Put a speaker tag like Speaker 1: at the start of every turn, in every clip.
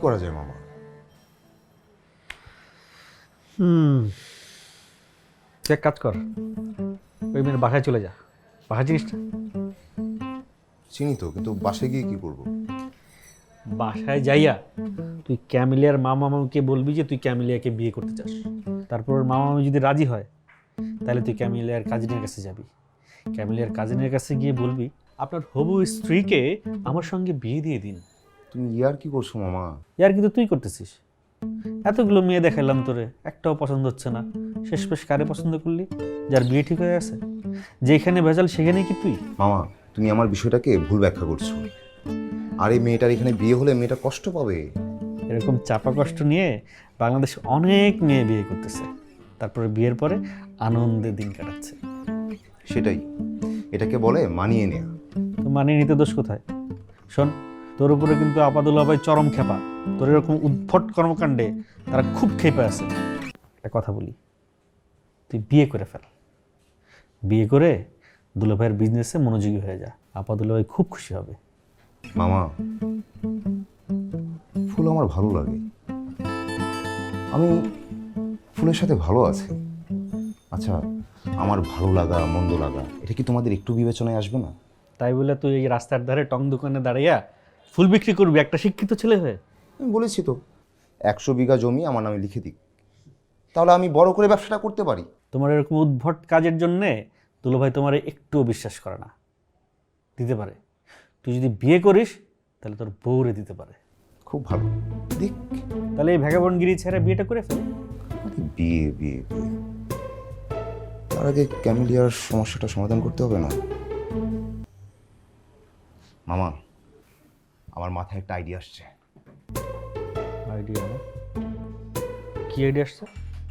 Speaker 1: করা যায় মামা?
Speaker 2: তুই এক কাজ কর, ওই মেয়ের বাসায় চলে যা। বাসায় জিনিসটা
Speaker 1: চিনি তো, কিন্তু বাসায় গিয়ে কি করব?
Speaker 2: বাসায় যাইয়া তুই ক্যামিলিয়ার মামা মামিকে বলবি যে তুই ক্যামিলিয়াকে বিয়ে করতে চাস। তারপর ওর মামা মামি যদি রাজি হয় তাহলে তুই ক্যামিলিয়ার কাজিনের কাছে যাবি। ক্যামিলিয়ার কাজিনের কাছে গিয়ে বলবি আপনার হবু স্ত্রীকে আমার সঙ্গে বিয়ে দিয়ে দিন।
Speaker 1: তুমি ইয়ার কি করছো মামা?
Speaker 2: ইয়ার কিন্তু তুই করতেছিস। এতগুলো মেয়ে দেখাইলাম তোরে, একটাও পছন্দ হচ্ছে না। শেষমেশ কারে পছন্দ করলি? যার বিয়ে ঠিক হয়ে আছে, যেখানে ভেজাল সেখানে কি তুই?
Speaker 1: মামা, তুমি আমার বিষয়টাকে ভুল ব্যাখ্যা করছো। আর এই মেয়েটার এখানে বিয়ে হলে মেয়েটা কষ্ট পাবে।
Speaker 2: এরকম চাপা কষ্ট নিয়ে বাংলাদেশে অনেক মেয়ে বিয়ে করতেছে, তারপরে বিয়ের পরে আনন্দে দিন কাটাচ্ছে।
Speaker 1: সেটাই, এটাকে বলে মানিয়ে নেয়া।
Speaker 2: তো মানিয়ে নিতে দোষ কোথায়? শোন, তোর উপরে কিন্তু আপাদুল্লাহ ভাই চরম খেপা। তোর এরকম উদ্ভট কর্মকাণ্ডে তারা খুব খেপে আছে। একটা কথা বলি, তুই বিয়ে করে ফেল। বিয়ে করে দুলা ভাইয়ের বিজনেসে মনোযোগী হয়ে যা। আপাদুল্লাহ ভাই খুব খুশি হবে।
Speaker 1: মামা, ফুল আমার ভালো লাগে, আমি ফুলের সাথে ভালো আছি। আচ্ছা, আমার ভালো লাগা মন্দ লাগা এটা কি তোমাদের একটু বিবেচনায় আসবে না?
Speaker 2: তাই বলে তুই এই রাস্তার ধারে টং দোকানে দাঁড়িয়ে ফুল বিক্রি করবি একটা শিক্ষিত ছেলে হয়ে?
Speaker 1: আমি বলেছি তো 100 বিঘা জমি আমার নামে লিখে দিক, তাহলে আমি বড় করে ব্যবসাটা করতে পারি।
Speaker 2: তোমার এরকম উদ্ভট কাজের জন্যে দুলা ভাই তোমার একটুও বিশ্বাস করে না। দিতে পারে, তুই যদি বিয়ে করিস তাহলে তোর বউরে দিতে পারে।
Speaker 1: খুব ভালো, দেখ।
Speaker 2: তাহলে এই ভ্যাগাবনগিরি ছেড়ে বিয়েটা করে ফেল।
Speaker 1: বিয়ে বিয়ে বিয়ে তার আগে ক্যামিলিয়ার সমস্যাটা সমাধান করতে হবে না? মামা, আমার মাথায় একটা আইডিয়া আসছে।
Speaker 2: আইডিয়া? কি আইডিয়া আসছে?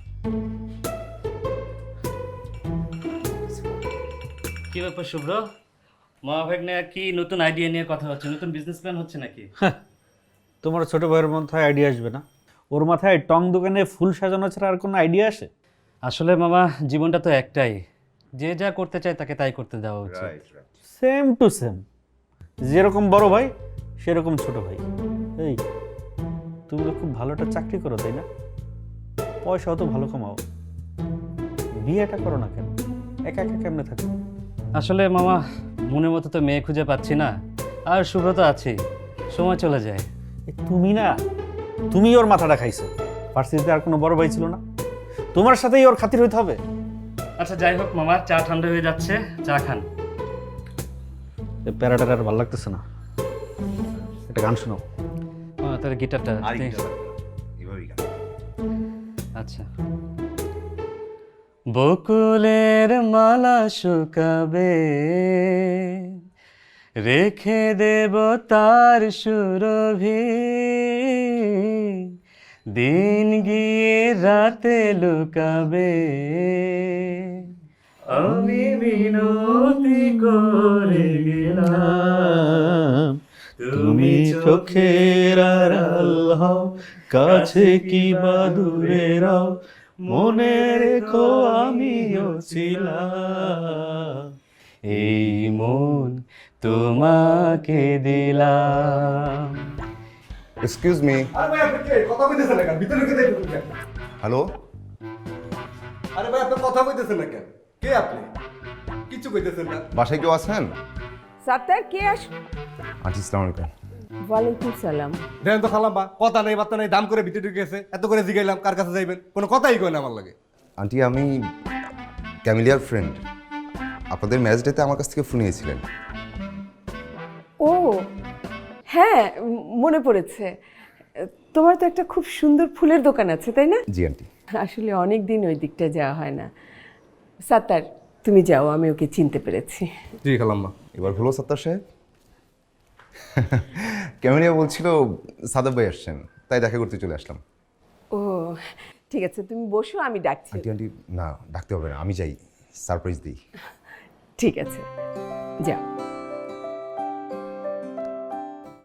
Speaker 3: কি ব্যাপার শুভ্র, মহাভাগ্নে কি নতুন আইডিয়া নিয়ে কথা হচ্ছে? নতুন বিজনেস প্ল্যান হচ্ছে নাকি?
Speaker 2: তোমার ছোট ভাইয়ের মাথায় আইডিয়া আসবে না? ওর মাথায় টং দোকানে ফুল সাজানো ছাড়া আর কোনো আইডিয়া আসে?
Speaker 3: আসলে মামা, জীবনটা তো একটাই, যে যা করতে চায় তাকে তাই করতে দেওয়া উচিত।
Speaker 2: সেম টু সেম, যেরকম বড় ভাই সেরকম ছোট ভাই। এই, তুমি তো খুব ভালো একটা চাকরি করো তাই না? পয়সাও তো ভালো কামাও, বিয়েটা করো না কেন? একা একা কেমনে থাকো?
Speaker 3: আসলে মামা, মনের মতো তো মেয়ে খুঁজে পাচ্ছি না, আর শুভ্র তো আছেই, সময় চলে যায়।
Speaker 2: তুমি না, তুমি ওর মাথাটা খাইছো। ভার্সিটিতে আর কোনো বড় ভাই ছিল না? তোমার সাথেই ওর খাতির হইতে হবে?
Speaker 3: আচ্ছা যাই হোক মামা, চা ঠান্ডা হয়ে যাচ্ছে, চা খান।
Speaker 2: এই প্যারাটার আর ভালো লাগতেছে না, একটা গান শোনাও।
Speaker 3: তাহলে গিটারটা দে।
Speaker 1: এভাবেই গান।
Speaker 3: আচ্ছা। বকুলের মালা শুকাবে, রেখে দেব তার সুরভি, দিন গিয়ে রাতে লুকাবে, আমি মিনতি করে গেলাম,
Speaker 2: তুমি চোখের আড়াল হও, কাছে কি বা দূরে রও, মনে রেখো আমিও ছিলাম,
Speaker 3: এই মন তোমাকে দিলাম।
Speaker 1: Excuse me.
Speaker 4: আরে ভাই, আপনি কে? কথা কইতেছেন না কেন? ভিতরে ঢুকে দেখুন কেন?
Speaker 1: হ্যালো,
Speaker 4: আরে ভাই, আপনি কথা কইতেছেন না কেন? কে আপনি? কিছু কইতেছেন না।
Speaker 1: বাসায় কেউ আছেন?
Speaker 5: সাত্তার কে আস?
Speaker 1: আন্টি, আসসালামু আলাইকুম।
Speaker 5: ওয়ালাইকুম সালাম।
Speaker 4: দেন তো খালাম বা, কথা নেই বার্তা নেই, দাম করে ভিতরে ঢুকে গেছে। এত করে জিগাইলাম কার কাছে যাইবেন, কোনো কথাই কয় না আমার লাগে।
Speaker 1: আন্টি, আমি ক্যামিলিয়ার ফ্রেন্ড। আপনাদের ম্যারেজ ডেতে আমার কাছ থেকে ফোন নিয়েছিলেন।
Speaker 5: ও হ্যাঁ, মনে পড়েছে। তোমার তো একটা খুব সুন্দর ফুলের দোকান আছে তাই না?
Speaker 1: জি আন্টি।
Speaker 5: আসলে অনেক দিন ওই দিকটা যাওয়া হয় না। সাত্তার, তুমি যাও, আমি ওকে চিনতে পেরেছি।
Speaker 4: জি খালাম বা।
Speaker 1: এবার হলো সত্তার সাহেব? ক্যামিলিয়া বলছিল সাদাব ভাই আসছেন, তাই দেখা করতে চলে আসলাম।
Speaker 5: ও ঠিক আছে, তুমি বসো, আমি ডাকছি।
Speaker 1: আন্টি আন্টি, না ডাকতে হবে না, আমি যাই, সারপ্রাইজ দিই।
Speaker 5: ঠিক আছে, যাও।